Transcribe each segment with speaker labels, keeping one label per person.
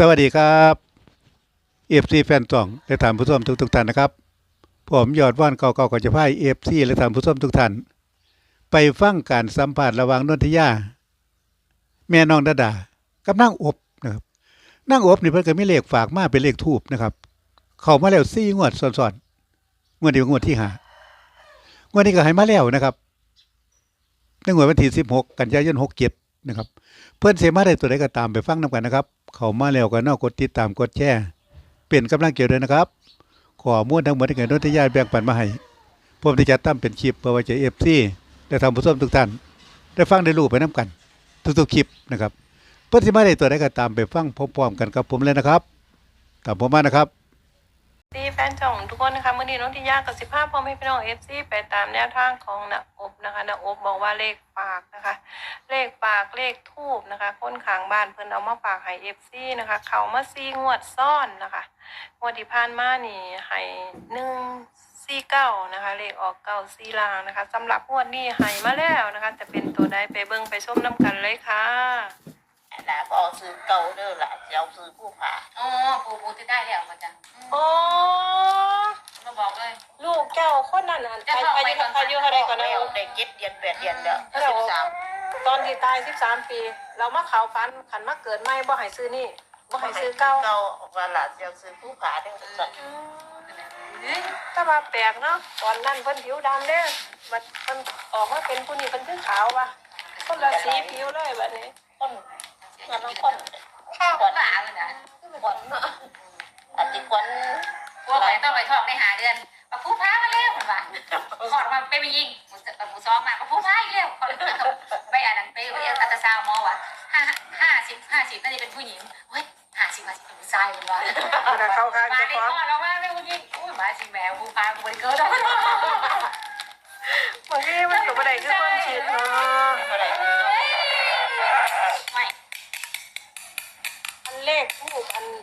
Speaker 1: สวัสดีครับเอฟซีแฟนจ่องและท่านผู้ชมทุกท่านนะครับผมยอดว่านเก่าๆก็จะพายเอฟซีและท่านผู้ชมทุกท่านไปฟังการสัมภาษณ์ระหว่างนนทิยาแม่น้องดาดากับนางอบนะครับนางอบนี่เพิ่นก็มีเลขฝากมาเป็นเลขทูปนะครับเข้ามาแล้ว4งวดซ้อนๆงวดนี้งวดที่5งวดนี้ก็ให้มาแล้วนะครับในงวดวันที่16กันยายน67นะครับเพิ่นสิมาได้ตัวใดก็ตามไปฟังนํกันนะครับเข้ามาแล้วก็กดติดตามกดแชร์เป็นกำลังใจด้วยนะครับข้อมูลทั้งหมดที่เกิดนนทิยาแบ่งปันมาให้ผมที่จะตั้งเป็นคลิปเพื่อไว้ใจ FC และท่านผู้ชมทุกท่านได้ฟังได้รู้ไปนํกันทุกๆคลิปนะครับเพิ่นสิมาได้ตัวใดก็ตามไปฟังพร้อมๆกันกับผมเลยนะครับตามผมมานะครับ
Speaker 2: ดีแฟนช่องทุกคนนะคะมื่อนี้น้องทิยากับ15พ่อแม่พี่น้องFCไปตามแนวทางของณอบนะคะณอบบอกว่าเลขปากนะคะเลขปากเลขทูบนะคะคนข้างบ้านเพิ่นเอามาฝากให้ FC นะคะเขามา4งวดซ้อนนะคะงวดที่ผ่านมานี่ให้149นะคะเลขออก94ลางนะคะสำหรับงวดนี้ให้มาแล้วนะคะจะเป็นตัวใดไปเบิ่งไปชมน้ำกันเลยค่ะ
Speaker 3: หลาก็เอาซื้อเก่าเด้อหล่ะจะเอาซื้อผู้ผ่า
Speaker 4: อ๋อปูที่ได้แล้วมาจ้ะ
Speaker 2: อ๋อ
Speaker 4: มาบอกเลย
Speaker 2: ลูกเจ้าคนนั้นอายุเท่าไรก่อนนะ
Speaker 3: ได้7 เดือน 8 เดือนเด้อ13
Speaker 2: ตอนที่ตาย13 ปีเรามาเขาฟันขันมาเกิดไม่บ่ให้ซื้อนี่บ่ให้ซื้อเก่า
Speaker 3: ว่าหล่ะจะเอาซื้อผู้ผ่าเด้อสั่น
Speaker 2: แต่ว่าแปลกเนาะตอนนั้นเพิ่นผิวดำเด้อบัดเพิ่นออกมาเป็นผู้นี้เพิ่นคือขาวว่ะคนละสีผิวเลยบัดนี้
Speaker 3: คนงั้นคน
Speaker 4: ข้าวหลาเลยนะ
Speaker 3: คนอันที่คน
Speaker 4: พวกไหนต้องไปทอกในหาเดือนมาพูดพ้ามาเร็วมันว่าขอดมาไปยิงหมูซ้อมมาพูดพ้าอีกเร็วไปอ่านหนังไปอัตราซาวมอว่ะ50น่าจะเป็นผู้หญิงเฮ้ย50เป็นผู้ชายมันว่า
Speaker 2: เขาข้าง
Speaker 4: มา
Speaker 2: จะ
Speaker 4: ใน
Speaker 2: ฟ้อง
Speaker 4: ข้อเราว่าไม่ผู้หญิงอุ้ยมาสิแมวผู้พ้าผู้บริเกิร์ด
Speaker 2: บางทีมันก็บ่ได้คือความคิดเนาะ
Speaker 4: ไม่
Speaker 2: อันเลขทูกอัน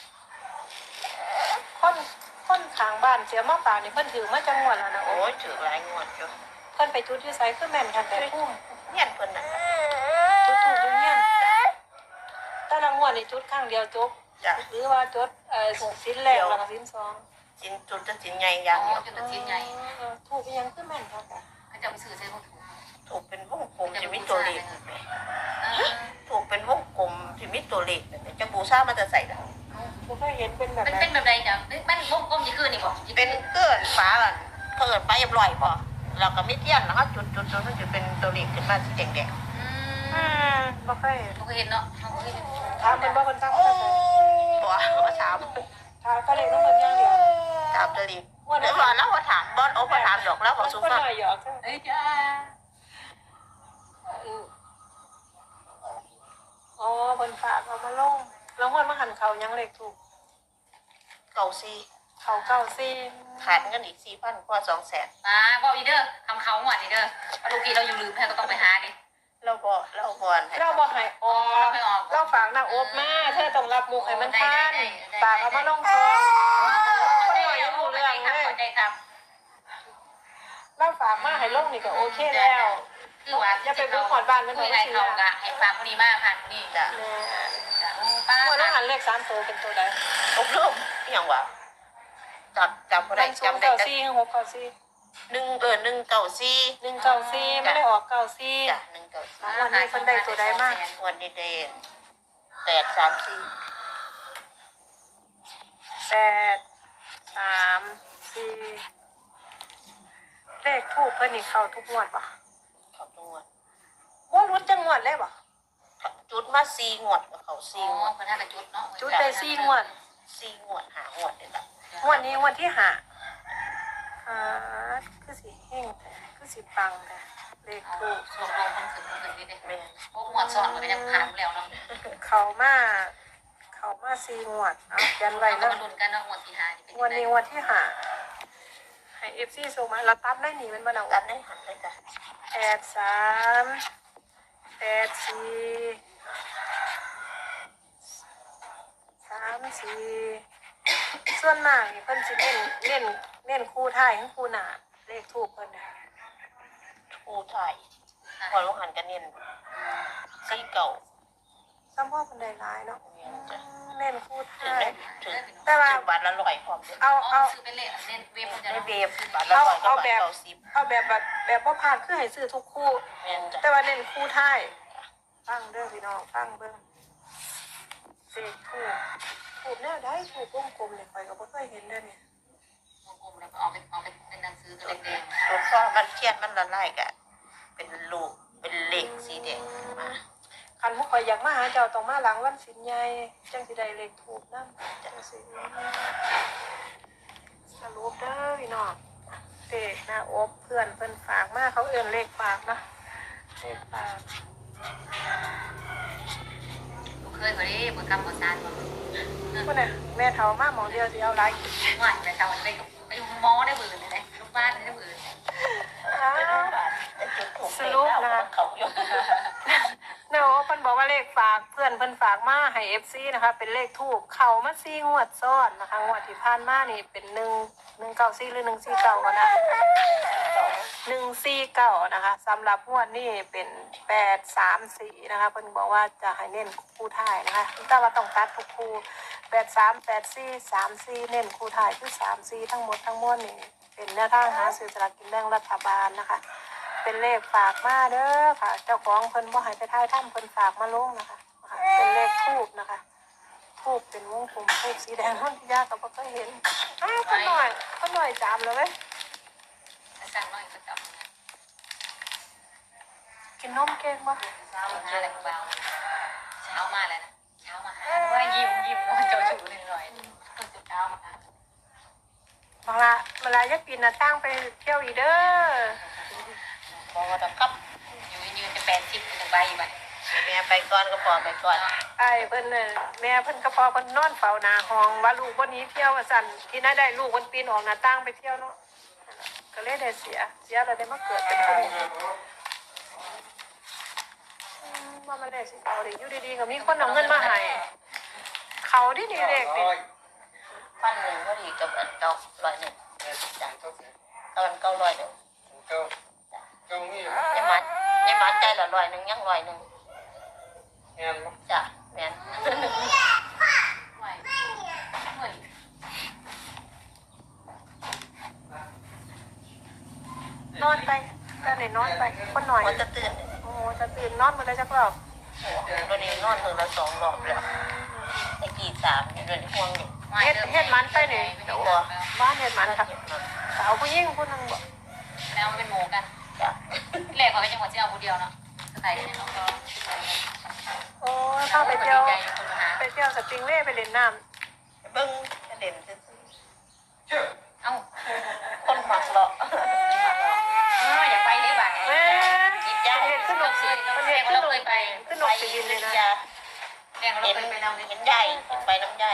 Speaker 2: คนข้างบ้านเสียมาฝากนี่เพิ่นถือมาจังหวัดแล้วนะ
Speaker 3: โอ้ยถือหลายงวดอยู่
Speaker 2: เพิ่นไปจุดที่ไสคือแม่นกันแต่พุ่ม
Speaker 3: เฮียนเพิ่นน่ะ
Speaker 2: จุดถูกอยู่เฮียนแต่ละงวดนี่จุดครั้งเดียวจบหรือว่าจุดสินแรกแล้วก็สิน2
Speaker 3: สินจุดจะสินใหญ่อย่างเดียว
Speaker 4: จุดชิ้นใหญ่
Speaker 2: ถูกยังคือแม่นค่ะ
Speaker 4: เขาจะไปซื้อใช้พวก
Speaker 3: ถูกเป็นวงกลมจะมีตัวเลขถูกเป็นวงกลมที่มีตัวเลขจะบูชามันจะใส่ได้
Speaker 2: บ่เคยเห็นเป็นแบบ
Speaker 4: มันเป็นแบบใดจ้ะมันวงกลมยี่คือนี่บ่
Speaker 3: เป็นเกินฟ้าเกินไปเรียบร้อยพอเราก็ไม่เที่ยงนะคะจุดมันจะเป็นตัวเลขขึ้นมาสีแดง
Speaker 2: บ่เคย
Speaker 4: เห็นเนาะ
Speaker 2: ถามเพิ่นบ่เพิ่นถามเพิ่น
Speaker 3: ตัวมาถาม
Speaker 2: ก็เลยต้องเพิ่นอย่างเดียว
Speaker 3: ถามตัวเลขเดี๋ยวก่อนแล้วมาถามบอสโอ้มาถามดอกแล้วบอกสุภาพ
Speaker 4: เอ้ยจ้า
Speaker 2: อ๋อเพิ่นฝากเอามาลงแล้วงวดมาหันเขายังเลขถูก
Speaker 3: เก่าซี
Speaker 2: เขาเก่าซี
Speaker 3: ขาดเงินอีก4,000กว่า200,000
Speaker 4: บอกอีเด้อทำเขาหมดอีเด้อลูกพี่เราอยู่ลืมแท้ก็ต้องไปหาดิ
Speaker 3: เราบอก
Speaker 2: ให้ออกเราฝากนางอบมาเธอต้องรับมุกให้มันทันฝากเอามาลงซองคนหน่อยยังรู้เรื่องเลยเราฝากมาให้ลงนี่ก็โอเคแล้ว
Speaker 4: คือว่า
Speaker 2: อย่าไปบุกหอดบ้านมัน
Speaker 4: ไม่ได้เขากะให้ฝากคนนี้มากผ่านคนนี้
Speaker 3: จ้ะ
Speaker 2: ป้าวันนั้นหันเลข3ตัวเป็นตัวใด
Speaker 3: ตกเริ่มอย่างวะจำบ่ได้
Speaker 2: จำได้แต่6 9 4
Speaker 3: 194
Speaker 2: ไม่ได้ออก94
Speaker 3: จ้ะ
Speaker 2: 194วันนี้เพิ่นได้ตัวใดมาก
Speaker 3: วันนี้ได้834
Speaker 2: เลขทูปเพิ่นนี่เข้าทุกงวดป่ะ
Speaker 3: เข้าทุกงวด
Speaker 2: ว่ารุดจังงวดเลยป่ะ
Speaker 3: จุดมา4งวดก็เข้า4งวด
Speaker 4: เพิ่นให้จุดเนาะ
Speaker 2: จุดได้4งวด
Speaker 3: 5งวดนี่ล่ะ
Speaker 2: งวดนี้งวดที่5คือสิเฮงคือสิปังแต่เลขทูป
Speaker 4: ส่งลงมันถึงนี่เด้แม่พวกงวดซ้อนมันก็ยังผ่านแล้วเนาะ
Speaker 2: เข้ามา4งวดเอายันไว้
Speaker 4: เนาะลุ้นกันเนาะงวดที่5นี่
Speaker 2: เป็นวันนี้งวดที่5ให้ FC ส่งมาเราตัดได้นี่มันบ่เอา
Speaker 3: ตัดได้หันเลยจ้ะ
Speaker 2: 83 84 ส่วนมากนี่เพิ่นสิเน้นคู่ท้ายกับคู่หน้าเลขทูปเพิ่นน่ะ
Speaker 3: คู่ไทยพอลงหันกันเน้น4เก่า
Speaker 2: ซ้ำพ่อเพิ่นได้หลายเนาะเน้นแต่ว่า
Speaker 3: ซื้อบาทละร้อยพร้อมเด้อ
Speaker 2: เอา
Speaker 4: เอาซื้อเป็นเลขเล่นเว็บมันจะ
Speaker 3: ได้
Speaker 4: เนาะ
Speaker 3: เบบาทละร้อยก็บาท90
Speaker 2: เอาแบบว่าผ่านคือให้ซื้อทุกคู่
Speaker 3: แม่นจ้ะ
Speaker 2: แต่ว่าเน้นคู่ท้ายฟังเด้อพี่น้องฟังเบิ่งเลขถูกแนวได้ถูกวงกลมเนี่ยข่อยก็บ่เคยเห็นเด้อเนี่ยว
Speaker 4: งกลมแล้วก็เอาเป็นหนังสือตัวแดง
Speaker 3: ตัวข้อมันเขียนมันละลายกะเป็นลูกเป็นเลขสีแดงมา
Speaker 2: คันบ่ข่อยอยากมาหาเจ้าต้องมาหลังวันศีลใหญ่จังสิได้เลขถูกนำจังสิสรุปเด้อพี่น้องเลขหน้าอกเพื่อนเพิ่นฝากมาเขาเอิ้นเลขฝากนะเลขฝาก
Speaker 4: ๆลูกเคยบ่ได้บ่กำบ่ซานบ่
Speaker 2: พุ่นน่ะแม่เฒ่ามาหมองเดียวสิเอาหลายกิน
Speaker 4: ว่าแต่เช้าไปกับไปอยู่หมอได้เบื่อเลยนะลูกบ้านได้เบื่อ
Speaker 2: อ้าว
Speaker 3: แต่จุดถูกเลขแล้วเขาอยู่
Speaker 2: เนาะเพิ่นบอกว่าเลขฝากเพื่อนเพิ่นฝากมาให้ FC นะคะเป็นเลขทูปเข้ามา4งวดซ้อนนะคะงวดที่ผ่านมานี่เป็น194หรือ149กันนะ149นะคะสำหรับงวดนี้เป็น834นะคะเพิ่นบอกว่าจะให้เน้นคู่ท้ายนะคะแต่ว่าต้องตัดทุกคู่83 84 34เน้นคู่ท้ายคือ34ทั้งหมดทั้งมวลนี่เป็นแนวทางหาซื้อสลากกินแบ่งรัฐบาลนะคะเป็นเลขฝากมาเด้อค่ะเจ้าของเพิ่นบ่ให้ไปทายถ้ำเพิ่นฝากมาลงนะคะเป็นเลขทูปนะคะทูปเป็นวงกลมทูปสีแดงนนทิยาก็บ่เคยเห็นอ้าวคนหน่อยจามเลยเว้ย
Speaker 4: สั่งน้อยก็จับ
Speaker 2: กินนมเก่งบ่
Speaker 4: เช้ามาอะไรเบาเช้ามาแล้วนะเช้ามาหาว่ายิ้มว่าเจ้าชู้หน่อยเช้ามา
Speaker 2: เวลาอยากกินน่ะตั้งไปเที่ยวอีเด้อ
Speaker 3: บอกว่าต้องกลับ
Speaker 4: อยู่ยืนจะ80ถึงใบอยู่บัด
Speaker 3: แม่ไปก่อนก็พอไปก่อน
Speaker 2: ไอ้เพิ่นน่ะแม่เพิ่นก็พอเพิ่นนอนเฝ้าหน้าห้องว่าลูกบ่หนีเที่ยวว่าซั่นที่น่าได้ลูกเพิ่นปีนออกหน้าต่างไปเที่ยวเนาะก็เลยได้เสียแล้วได้มาเกิดเป็นคนว่ามันได้สิเอาดิอยู่ดีๆก็มีคนเอาเงินมาให้เขาดีๆเลขนี่
Speaker 3: พันหนึ่งก็ดีกับอันเก่าร้อยหนึ่งจ้ะตอนเก่าร้อยหนึ่งยังมาใจละร้อยหนึ่งยังร้อยหนึ่งจ้ะแม่น
Speaker 4: ไหวเหมือน
Speaker 2: นอนไปก็ได้นอนไปคนหน่อย
Speaker 3: มันจะตื่น
Speaker 2: โอ้จะตื่นนอนมื้อละจักรอบ
Speaker 3: วันนี้นอนถึงละ2 รอบแล้วไอ้กี่3อยู่เดือนห่วงอยู่
Speaker 2: เฮ็ดมันไปนี่บ้านเฮ็ดมันค่ะสาวผู้หญิงผู้นึงบ่
Speaker 4: แล้วมันเป็นหมูกัน
Speaker 3: จ้ะ
Speaker 4: แรกเขาเป็นจังหวัดที่เอาผู้เดียวเนาะใส่เนี่ยเราก็
Speaker 2: โอ้เข้าไปเที่ยว
Speaker 4: ใจคนมาหา
Speaker 2: ไปเที่ยวสปริงเว่ไปเล่นน้ำ
Speaker 3: เบิ้งเด่นซื่อ
Speaker 4: เอ้า
Speaker 3: คนหมักเลาะ
Speaker 4: อย่าไปได้บ่าย
Speaker 2: แม่
Speaker 3: กินยา
Speaker 2: เห็นขึ้นนกสิ
Speaker 4: เราเคยเราเคยไป
Speaker 2: ขึ้นนกสิดินเลยนะ
Speaker 3: ยา
Speaker 4: แรกเรา
Speaker 3: เห็น
Speaker 4: เคยไปนำ
Speaker 3: เห็นใหญ่ไปน้ำใหญ่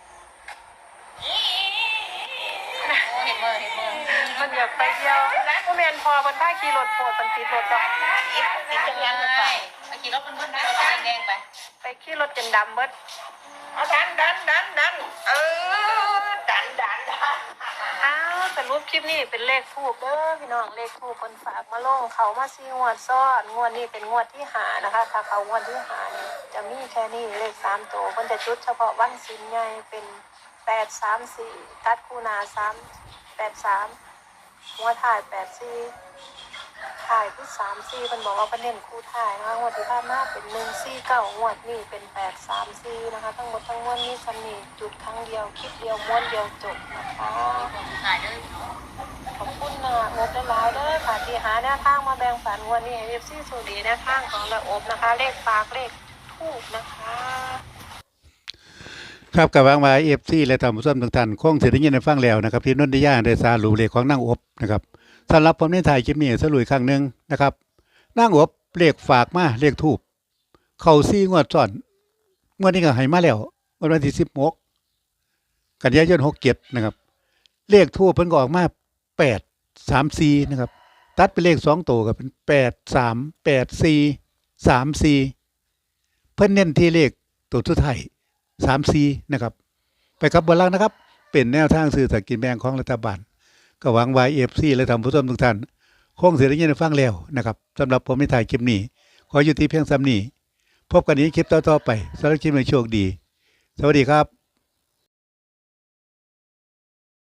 Speaker 4: เห็นมือ
Speaker 2: มันอยากไปเที่ยวผู้แมนพอมันได้ขี่รถโผล่มันติดรถจ้ะ
Speaker 3: กินจังยันไป
Speaker 4: ไปขี่รถเพื่อนๆไปรถแดงๆไป
Speaker 2: ไปขี่รถจนดำเบิด
Speaker 3: เอาดันดัน
Speaker 2: อ้าวแต่รูปคลิปนี้เป็นเลขทูบเด้อพี่น้องเลขทูบคนฝากมาลงเขามา4งวดซ้อนงวดนี้เป็นงวดที่5นะคะถ้าเขางวดที่5นี่จะมีแค่นี้เลข3ตัวเพิ่นจะจุดเฉพาะวันศีลใหญ่เป็น834ตัดคู่หน้า383หัวถ่าย84ถ่ายที่34เพิ่นบอกว่าเพิ่นเน้นคู่ถ่ายนะคะงวดที่ผ่านมาเป็น149งวดนี้เป็น834นะคะทั้งหมดทั้งมวลนี้สำนีจุดครั้งเดียวคลิปเดียวม้วนเดียวจบนะคะ
Speaker 4: ถ่ายด้วย
Speaker 2: ขอบคุณนะงบหลายๆเด้อค่ะที่หาแนวทางมาแบ่งปันวันนี้ให้FCโชคดีแนวทางของระอบนะคะ เลขฝากเลขทูบนะคะ
Speaker 1: ครับกับวางมาFC และท่านผู้ชมทุกท่านคงสิได้ยินได้ฟังแล้วนะครับที่นนทิยาได้สรุปเลขของนางอบนะครับสำหรับผมในถ่ายคลิปนี้สรุปอีกครั้งหนึงนะครับนางอบเลขฝากมาเลขทูบเข้า4งวดซ้อนงวดนี้ก็ให้มาแล้ววันที่16กันยายน67นะครับเลขทูบเพิ่นก็ออกมา834นะครับตัดเป็นเลข2ตัวก็เป็น838434เพิ่นเน้นที่เลขตัวสุดท้าย34นะครับไปกับบนล่างนะครับเป็นแนวทางสื่อสลารกินแบ่งของรัฐบาลก็หวังว่า FC และท่านผู้ชมทุกท่านคงสิได้ยินได้ฟังแล้วนะครับสำหรับผมในถ่ายคลิปนี้ขอยุติเพียงส่ำนี้พบกันในคลิปต่อๆไปสำหรับคลิปนี้โชคดีสวัสดีครับ